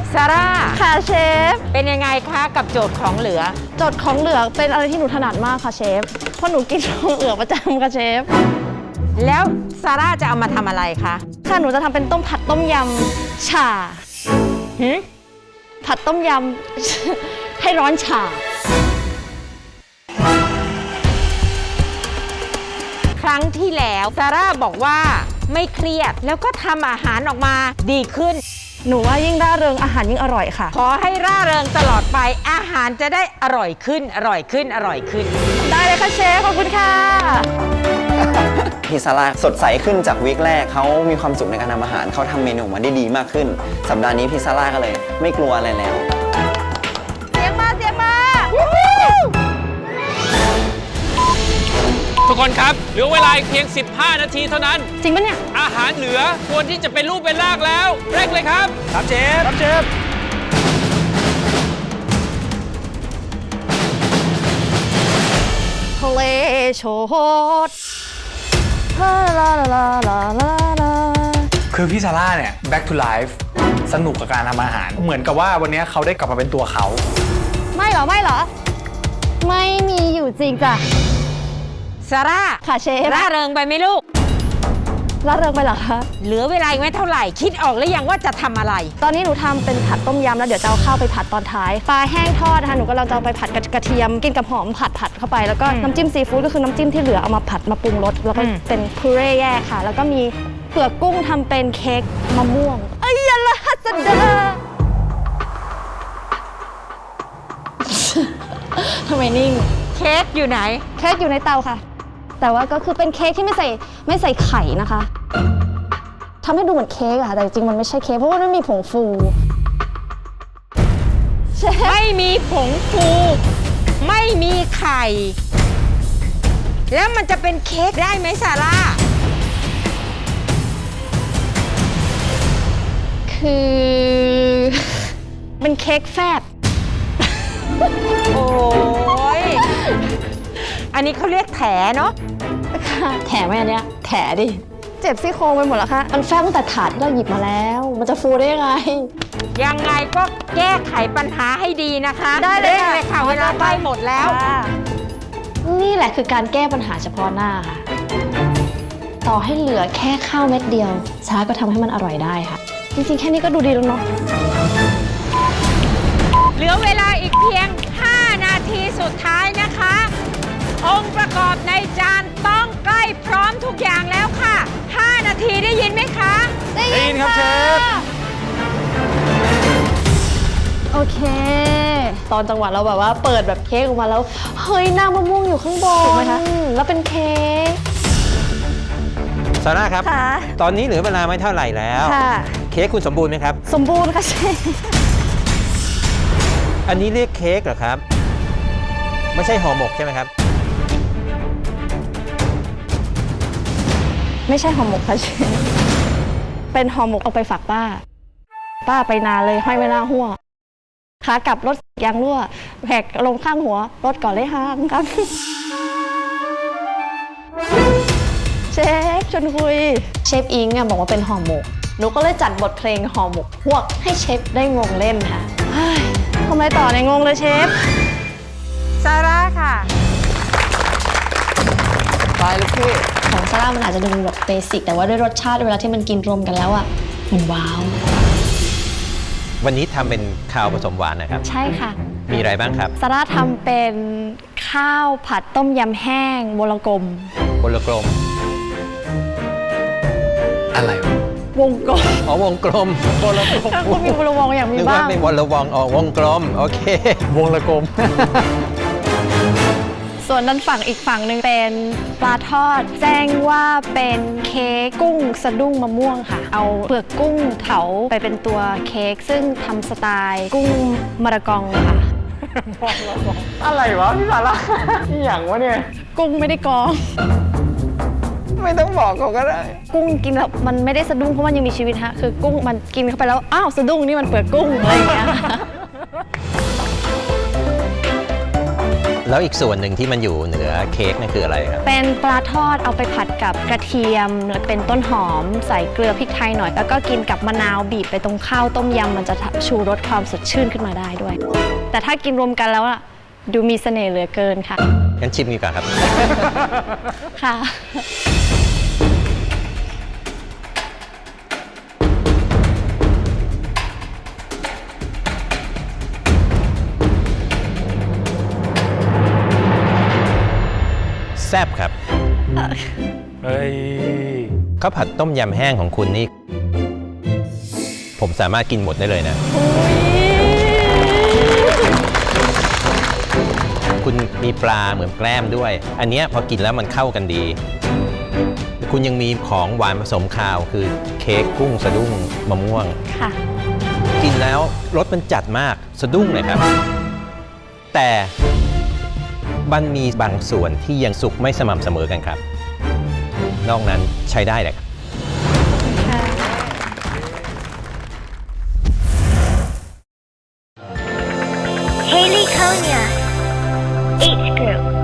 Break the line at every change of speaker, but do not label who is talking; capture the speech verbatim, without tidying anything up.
ซาร่า
ค่ะเชฟ
เป็นยังไงคะกับโจทย์ของเหลือ
โจทย์ของเหลือเป็นอะไรที่หนูถนัดมากค่ะเชฟเพราะหนูกินของเหลือประจำค่ะเชฟ
แล้วซาร่าจะเอามาทำอะไรคะ
ค่ะหนูจะทำเป็นต้มผัดต้มยำฉ่าหืผัดต้มยำ ให้ร้อนฉ่า
ครั้งที่แล้วซาร่าบอกว่าไม่เครียดแล้วก็ทำอาหารออกมาดีขึ้น
หนูว่ายิ่งร่าเริงอาหารยิ่งอร่อยค่ะ
ขอให้ร่าเริงตลอดไปอาหารจะได้อร่อยขึ้นอร่อยขึ้นอร่อยขึ้น
ได้เลยค่ะเชฟขอบคุณค่ะ
พี่ซาร่าสดใสขึ้นจากวีคแรกเขามีความสุขในการทำอาหารเขาทำเมนูมาได้ดีมากขึ้นสัปดาห์นี้พี่ซาร่าก็เลยไม่กลัวอะไรแล้ว
เสียงมาเสียงมา
ทุกคนครับเหลือเวลาเพียงสิบห้านาทีเท่านั้น
จริงปะเนี่ย
อาหารเหลือควรที่จะเป็นรูปเป็นร่างแล้วเร่งเลยครับครับเชฟครับเชฟ
ทะเลโชดลาลาลาลาลาลา
คือพี่ซาร่าเนี่ย back to life สนุกกับการทำอาหารเหมือนกับว่าวันนี้เขาได้กลับมาเป็นตัวเขา
ไม่หรอไม่หรอไม่มีอยู่จริงจ้ะ
ซาร่า
ค่ะเชฟ
ร่าเริงไปไหมลูก
ร่าเริงไปเหรอคะ
เหลือเวลาอีกไม่เท่าไหร่คิดออกหรือยังว่าจะทำอะไร
ตอนนี้หนูทำเป็นผัดต้มยำแล้วเดี๋ยวจะเอาข้าวไปผัดตอนท้ายปลาแห้งทอดนะคะหนูก็เราจะเอาไปผัดกระเทียมกินกับหอมผัดผัดเข้าไปแล้วก็น้ำจิ้มซีฟู้ดก็คือน้ำจิ้มที่เหลือเอามาผัดมาปรุงรสแล้วก็เป็นพูเร่แยกค่ะแล้วก็มีเปลือกกุ้งทำเป็นเค้กมะม่วงเอ้ยยะละฮัสเดอทำไมนิ่ง
เค้กอยู่ไหน
เค้กอยู่ในเตาค่ะแต่ว่าก็คือเป็นเค้กที่ไม่ใส่ไม่ใส่ไข่นะคะทำให้ดูเหมือนเค้กอะแต่จริงมันไม่ใช่เค้กเพราะว่ามันมีผงฟู
ไม่มีผงฟูไม่มีไข่แล้วมันจะเป็นเค้กได้ไหมซาร่า
คือเป็นเค้กแฟบ
โอ้ยอันนี้เขาเรียกแถเนาะ
แถไหมอันเนี้ยแถดิเจ็บซี่โครงไปหมดแล้วค่ะมันแฟบตั้งแต่ถาดที่เราหยิบมาแล้วมันจะฟูได้ยังไง
ยังไงก็แก้ไขปัญหาให้ดีนะคะ
ได้เลย
ค่ะเวลาใกล้หมดแล้ว
นี่แหละคือการแก้ปัญหาเฉพาะหน้าค่ะต่อให้เหลือแค่ข้าวเม็ดเดียวช้าก็ทำให้มันอร่อยได้ค่ะจริงๆแค่นี้ก็ดูดีแล้วเนาะ
เหลือเวลาอีกเพียงห้านาทีสุดท้ายนะคะองค์ประกอบในจานต้องใกล้พร้อมทุกอย่างแล้วค่ะห้านาทีได้ยินไหมคะ
ได้ยินครับเชฟโอเคตอนจังหวะเราแบบว่าเปิดแบบเค้กออกมาแล้วเฮ้ยน้ำมะม่วงอยู่ข้างบนถูกไหมคะแล้วเป็นเค้ก
ซาร่าครับตอนนี้เหลือเวลาไม่เท่าไหร่แล้วเค้กคุณสมบูรณ์ไหมครับ
สมบูรณ์ค่ะเชฟ
อันนี้เรียกเค้กเหรอครับไม่ใช่ห่อหมกใช่ไหมครับ
ไม่ใช่ห่อหมกค่ะเชฟเป็นห่อหมกเอาไปฝากป้าป้าไปนานเลยห้อยไว้หน้าหัวขากลับรถยางรั่วแหกลงข้างหัวรถก่อนเลยห้างครับเชฟชวนคุยเชฟอิงอ่ะบอกว่าเป็นห่อหมกหนูก็เลยจัดบทเพลงห่อหมกพวกให้เชฟได้งงเล่นค่ะทำไมต่อในงงเลยเชฟ
ซาร่าค่ะ
ไปเลยพี่
ของซาร่ามันอาจจะดูแบบเบสิกแต่ว่าด้วยรสชาติเวลาที่มันกินรวมกันแล้วอ่ะมันว้าว
วันนี้ทำเป็นข้าวผสมหวานนะครับ
ใช่ค่ะ
มีอะไรบ้างครับ
ซาร่าทำเป็นข้าวผัดต้มยำแห้งวงกลม
วงกลม
อะไร
วงกลม
อ๋อวงกลม
วงกลมคุณมีวงวงอย่างมีบ้าง
นึกว่าเป็นวงละวงอ๋อวงกลมโอเคว
งละกลม
ส่วนด้านฝั่งอีกฝั่งหนึ่งเป็นปลาทอดแจ้งว่าเป็นเค้กกุ้งสะดุ้งมะม่วงค่ะเอาเปลือกกุ้งเผาไปเป็นตัวเค้กซึ่งทำสไตล์กุ้งมะระกองค่ะ
อะไรวะพี่ซาร่านี่อย่างวะเนี่ย
กุ้งไม่ได้กอง
ไม่ต้องบอกเขาก็ได้
กุ้งกินแล้วมันไม่ได้สะดุ้งเพราะมันยังมีชีวิตฮะคือกุ้งมันกินเข้าไปแล้วอ้าวสะดุ้งนี่มันเปลือกกุ้งอะไรอย่างเงี้ย
แล้วอีกส่วนหนึ่งที่มันอยู่เหนือเค้กนั่นคืออะไรครับ
เป็นปลาทอดเอาไปผัดกับกระเทียมแล้วเป็นต้นหอมใส่เกลือพริกไทยหน่อย แล้วก็กินกับมะนาวบีบไปตรงข้าวต้มยำมันจะชูรสความสดชื่นขึ้นมาได้ด้วย แต่ถ้ากินรวมกันแล้วอะดูมีเสน่ห์เหลือเกินค่ะ
งั้นชิมดีกว่าครับ
ค่ะ
แซ่บครับ
เฮ้ย
ข้าวผัดต้มยำแห้งของคุณนี่ ผมสามารถกินหมดได้เลยนะ คุณมีปลาเหมือนแกล้มด้วย อันเนี้ยพอกินแล้วมันเข้ากันดี คุณยังมีของหวานผสมคาวคือเค้กกุ้งสะดุ้งมะม่วง
ค่ะ
กินแล้วรสมันจัดมากสะดุ้งเลยครับ แต่มันมีบางส่วนที่ยังสุกไม่สม่ำเสมอกันครับ นอกนั้นใช้ได้เลยครับ
Haley Konya, H Group.